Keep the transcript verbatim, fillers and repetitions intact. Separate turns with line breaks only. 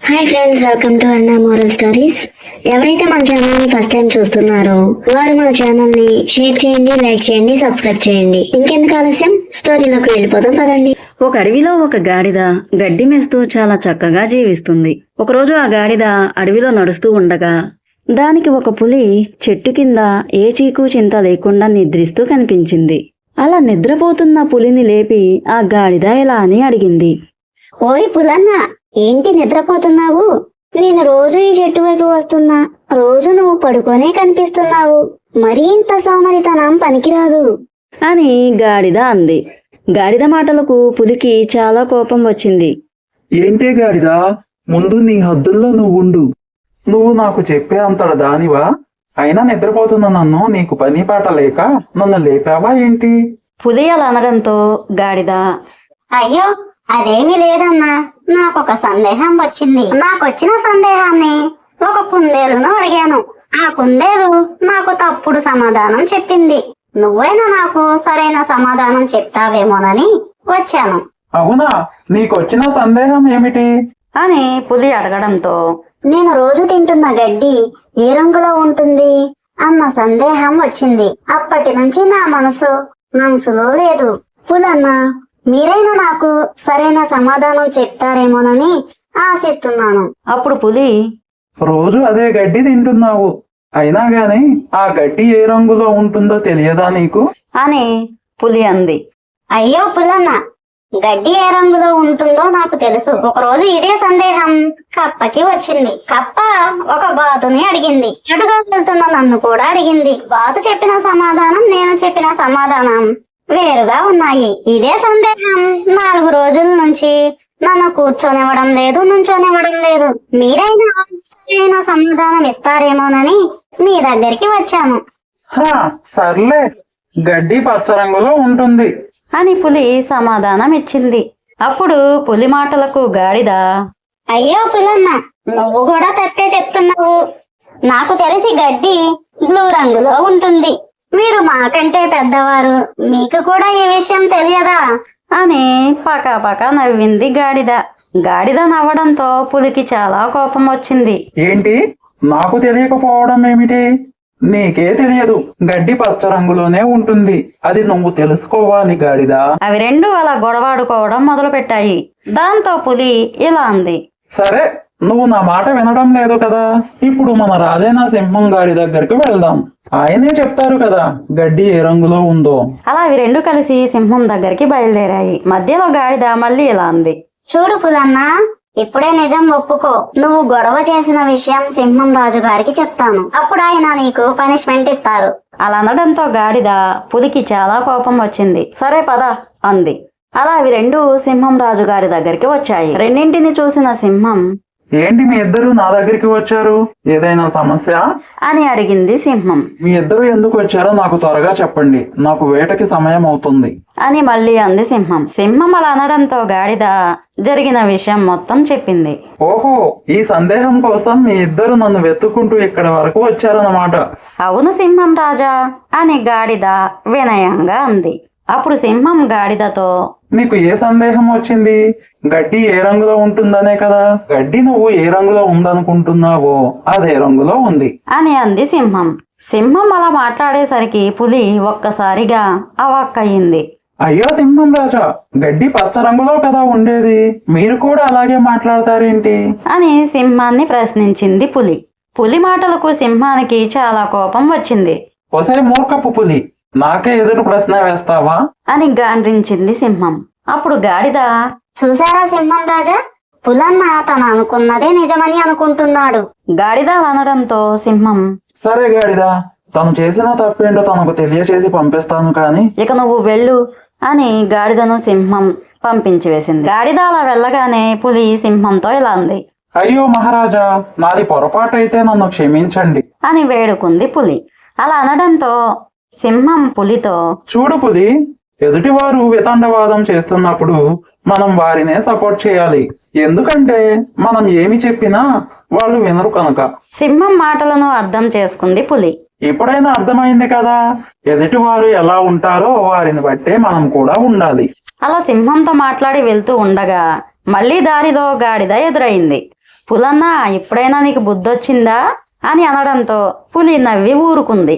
Hi friends, welcome to Anna moral stories. ఎవరైతే మన ఛానల్ని ఫస్ట్ టైం చూస్తున్నారో వారు మన ఛానల్ని షేర్ చేయండి, లైక్ చేయండి, సబ్స్క్రైబ్ చేయండి. ఇంకెందుకు ఆలస్యం, స్టోరీలోకి వెళ్ళిపోతాం పదండి.
ఒక అడవిలో ఒక గాడిద గడ్డి మేస్తూ చాలా చక్కగా జీవిస్తుంది. ఒకరోజు ఆ గాడిద అడవిలో నడుస్తూ ఉండగా దానికి ఒక పులి చెట్టు కింద ఏ చీకు చింత లేకుండా నిద్రిస్తూ కనిపించింది. అలా నిద్రపోతున్న పులిని లేపి ఆ గాడిద ఇలా అని అడిగింది.
ఓయ్ పులన్న, ఏంటి నిద్రపోతున్నావు? నేను రోజు ఈ చెట్టు వైపు వస్తున్నా, రోజు నువ్వు పడుకొనే కనిపిస్తున్నావు. మరీ ఇంత సోమరితనం పనికిరాదు
అని గాడిద అంది. గాడిద మాటలకు పులికి చాలా కోపం వచ్చింది.
ఏంటే గాడిదా, ముందు నీ హద్దుల్లో నువ్వు ఉండు. నువ్వు నాకు చెప్పే అంతట దానివా? అయినా నిద్రపోతున్న నన్ను నీకు పని పాట లేక నన్ను లేపావా ఏంటి?
పులి అలా అనడంతో గాడిద,
అయ్యో అదేమీ లేదన్నా, నాకొక సందేహం వచ్చింది. నాకొచ్చిన సందేహాన్ని ఒక కుందేలును అడిగాను. ఆ కుందేలు నాకు తప్పుడు సమాధానం చెప్పింది. నువ్వైనా నాకు సరైన సమాధానం చెప్తావేమోనని వచ్చాను.
అవునా, నీకొచ్చిన సందేహం ఏమిటి
అని పులి అడగడంతో,
నేను రోజు తింటున్న గడ్డి ఏ రంగులో ఉంటుంది అన్న సందేహం వచ్చింది. అప్పటి నుంచి నా మనసు మనసులో లేదు. పులన్న, మీరైనా నాకు సరైన సమాధానం చెప్తారేమోనని ఆశిస్తున్నాను.
అప్పుడు పులి,
రోజు అదే గడ్డి తింటున్నావు, అయినా గాని ఆ గడ్డి ఏ రంగులో ఉంటుందో తెలియదా నీకు?
అని పులి అంది.
అయ్యో పులన్న, గడ్డి ఏ రంగులో ఉంటుందో నాకు తెలుసు. ఒక రోజు ఇదే సందేహం కప్పకి వచ్చింది. కప్ప ఒక బాతుని అడిగింది. ఎటుగా వెళ్తున్న నన్ను కూడా అడిగింది. బాతు చెప్పిన సమాధానం, నేను చెప్పిన సమాధానం వేరుగా ఉన్నాయి. ఇదే సందేహం నాలుగు రోజుల నుంచి నన్ను కూర్చొనివ్వడం లేదు, నుంచొనివ్వడం లేదు. మీరైనా సరైన సమాధానం ఇస్తారేమోనని మీ దగ్గరికి వచ్చాను.
హా సర్లే, గడ్డి పచ్చ రంగులో ఉంటుంది
అని పులి సమాధానం ఇచ్చింది. అప్పుడు పులి మాటలకు గాడిద,
అయ్యో పులన్న, నువ్వు కూడా తప్పే చెప్తున్నావు. నాకు తెలిసి గడ్డి బ్లూ రంగులో ఉంటుంది. మీరు మాకంటే పెద్దవారు, మీకు కూడా ఈ విషయం తెలియదా
అని పకా పకా నవ్వింది గాడిద. గాడిద నవ్వడంతో పులికి చాలా కోపం వచ్చింది.
ఏంటి, నాకు తెలియకపోవడం ఏమిటి? నీకే తెలియదు, గడ్డి పచ్చ రంగులోనే ఉంటుంది. అది నువ్వు తెలుసుకోవాలి గాడిదా.
అవి రెండు అలా గొడవాడుకోవడం మొదలు పెట్టాయి. దాంతో పులి ఇలా అంది.
సరే, నువ్వు నా మాట వినడం లేదు కదా. ఇప్పుడు మన రాజైన సింహం గారి దగ్గరికి వెళ్దాం. ఆయనే చెప్తారు కదా గడ్డి ఏ రంగులో ఉందో.
అలా అవి రెండు కలిసి సింహం దగ్గరికి బయలుదేరాయి. మధ్యలో గాడిద మళ్ళీ ఇలా అంది.
చూడు పులన్న, ఇప్పుడే నిజం ఒప్పుకో. నువ్వు గొడవ చేసిన విషయం సింహం రాజు గారికి చెప్తాను. అప్పుడు ఆయన నీకు పనిష్మెంట్ ఇస్తారు.
అలా అనడంతో గాడిద పులికి చాలా కోపం వచ్చింది. సరే పద అంది. అలా అవి రెండు సింహం రాజు గారి దగ్గరికి వచ్చాయి. రెండింటిని చూసిన సింహం,
ఏంటి మీ ఇద్దరు నా దగ్గరికి వచ్చారు? ఏదైనా సమస్య
అని అడిగింది సింహం.
మీ ఇద్దరు ఎందుకు వచ్చారో నాకు త్వరగా చెప్పండి, నాకు వేటకి సమయం అవుతుంది
అని మళ్ళీ అంది సింహం. సింహం అలా అనడంతో గాడిద జరిగిన విషయం మొత్తం చెప్పింది.
ఓహో, ఈ సందేహం కోసం మీ ఇద్దరు నన్ను వెతుక్కుంటూ ఇక్కడ వరకు వచ్చారన్నమాట.
అవును సింహం రాజా అని గాడిద వినయంగా అంది. అప్పుడు సింహం గాడిదతో,
నీకు ఏ సందేహం వచ్చింది? గడ్డి ఏ రంగులో ఉంటుందనే కదా. గడ్డి నువ్వు ఏ రంగులో ఉందనుకుంటున్నావో అదే రంగులో ఉంది
అని అంది సింహం. సింహం అలా మాట్లాడేసరికి పులి ఒక్కసారిగా అవాక్కయింది.
అయ్యో సింహం రాజా, గడ్డి పచ్చ రంగులో కదా ఉండేది, మీరు కూడా అలాగే మాట్లాడతారేంటి
అని సింహాన్ని ప్రశ్నించింది పులి. పులి మాటలకు సింహానికి చాలా కోపం వచ్చింది.
ఒసే మూర్ఖపు పులి, నాకే ఎదురు ప్రశ్న వేస్తావా
అని గాండ్రించింది సింహం. అప్పుడు గాడిద,
చూసారా సింహం రాజా, పులన్న తను అనుకున్నదే నిజమని అనుకుంటున్నాడు.
గాడిద అనడంతో సింహం,
సరే గాడిదా, తను చేసిన తప్పేంటో తనకు తెలియచేసి పంపిస్తాను కానీ
ఇక నువ్వు వెళ్ళు అని గాడిదను సింహం పంపించి వేసింది. గాడిద అలా వెళ్ళగానే పులి సింహంతో ఇలా అంది.
అయ్యో మహారాజా, నాది పొరపాటు అయితే నన్ను క్షమించండి
అని వేడుకుంది పులి. అలా అనడంతో సింహం పులితో,
చూడు పులి, ఎదుటివారు వితండవాదం చేస్తున్నప్పుడు మనం వారినే సపోర్ట్ చేయాలి. ఎందుకంటే మనం ఏమి చెప్పినా వాళ్ళు వినరు కనుక.
సింహం మాటలను అర్థం చేసుకుంది పులి.
ఎప్పుడైనా అర్థమైంది కదా, ఎదుటివారు ఎలా ఉంటారో వారిని బట్టే మనం కూడా ఉండాలి.
అలా సింహంతో మాట్లాడి వెళ్తూ ఉండగా మళ్లీ దారిలో గాడిద ఎదురైంది. పులన్నా ఇప్పుడైనా నీకు బుద్ధొచ్చిందా అని అనడంతో పులి నవ్వి ఊరుకుంది.